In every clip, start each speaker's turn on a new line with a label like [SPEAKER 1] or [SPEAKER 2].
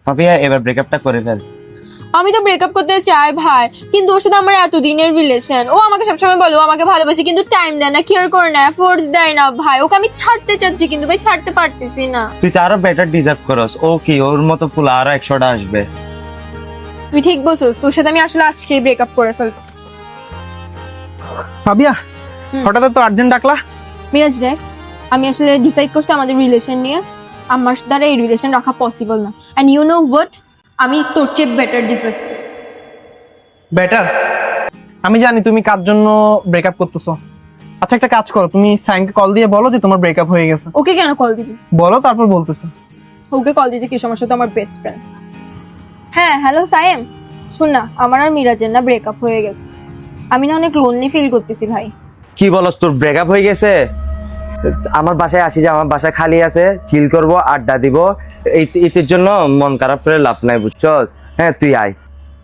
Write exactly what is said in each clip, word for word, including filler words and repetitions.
[SPEAKER 1] ফাফিয়া এবার ব্রেকআপটা করে ফেল।
[SPEAKER 2] আমি তো ব্রেকআপ করতে চাই ভাই, কিন্তু ওর সাথে আমার এতদিনের রিলেশন। ও আমাকে সবসময় বলে ও আমাকে ভালোবাসে, কিন্তু টাইম দেয় না, কেয়ার করে না, এফোর্টস দেয় না ভাই। ওকে আমি ছাড়তে চাচ্ছি কিন্তু ভাই ছাড়তে পারতেছি না।
[SPEAKER 1] তুই তো আরো বেটার ডিজার্ভ করস। ও কি ওর মতো ফুল আরো একশোটা আসবে।
[SPEAKER 2] তুই ঠিক বলছিস, ওর সাথে আমি আসলে আজকেই ব্রেকআপ করে ফেলবো।
[SPEAKER 3] ফাবিয়া, হঠাৎ তো আর্জেন্ট ডাকলা?
[SPEAKER 2] মিরাজ দেখ, আমি আসলে ডিসাইড করছি আমাদের রিলেশন নিয়ে। আমার দ্বারা এই রিলেশন রাখা পসিবল না। অ্যান্ড ইউ নো হোয়াট, আমি তোর চেয়ে বেটার ডিজার্ভ।
[SPEAKER 3] বেটার? আমি জানি তুমি কার জন্য ব্রেকআপ করতেছো। আচ্ছা একটা কাজ করো, তুমি সাইনকে কল দিয়ে বলো যে তোমার ব্রেকআপ হয়ে গেছে।
[SPEAKER 2] ওকে কেন কল দিবি?
[SPEAKER 3] বলো, তারপর বলতেছে।
[SPEAKER 2] ওকে কল দিতে কি সমস্যা? তো আমার বেস্ট ফ্রেন্ড। হ্যাঁ হ্যালো সায়েম, শোন না, আমার আর মিরাজের না ব্রেকআপ হয়ে গেছে। আমি না অনেক লোনলি ফিল করতেছি ভাই।
[SPEAKER 1] কি বলস, তোর ব্রেকআপ হয়ে গেছে? আমার বাসায় আসি, যে আমার বাসায় খালি আছে, চিল করব, আড্ডা দিব। এই এর জন্য মন খারাপ করে লাভ নাই, বুঝছস? হ্যাঁ তুই আয়।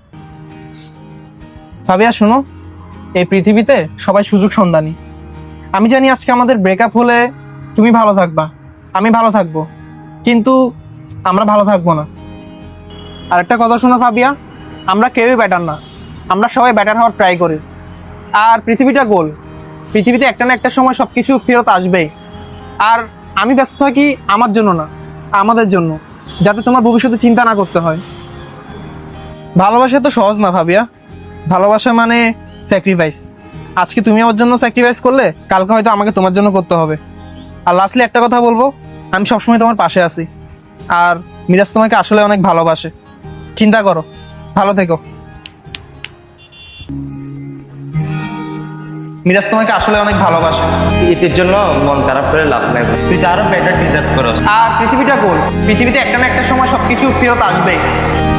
[SPEAKER 3] ফাবিয়া শোনো, এই পৃথিবীতে সবাই সুযোগ সন্ধানী। আমি জানি আজকে আমাদের ব্রেকআপ হলে তুমি ভালো থাকবা, আমি ভালো থাকবো, কিন্তু আমরা ভালো থাকবো না। আর একটা কথা শোনো ফাবিয়া, আমরা কেউই ব্যাটার না, আমরা সবাই ব্যাটার হওয়ার ট্রাই করি। আর পৃথিবীটা গোল, পৃথিবীতে একটা না একটা সময় সব কিছু ফেরত আসবেই। আর আমি ব্যস্ত থাকি আমার জন্য না, আমাদের জন্য, যাতে তোমার ভবিষ্যতে চিন্তা না করতে হয়। ভালোবাসা তো সহজ না ফাবিয়া, ভালোবাসা মানে স্যাক্রিফাইস। আজকে তুমি আমার জন্য স্যাক্রিফাইস করলে কালকে হয়তো আমাকে তোমার জন্য করতে হবে। আর লাস্টলি একটা কথা বলবো, আমি সবসময় তোমার পাশে আছি। আর মিরাজ তোমাকে আসলে অনেক ভালোবাসে। চিন্তা করো, ভালো থেকো। মিরাজ তোমাকে আসলে অনেক ভালোবাসে।
[SPEAKER 1] এর জন্য মন খারাপ করে লাভ নাই, তুই তো আরো বেটার ডিজার্ভ করস।
[SPEAKER 3] আর পৃথিবীটা গোল, পৃথিবীতে একটা না একটা সময় সবকিছু ফেরত আসবেই।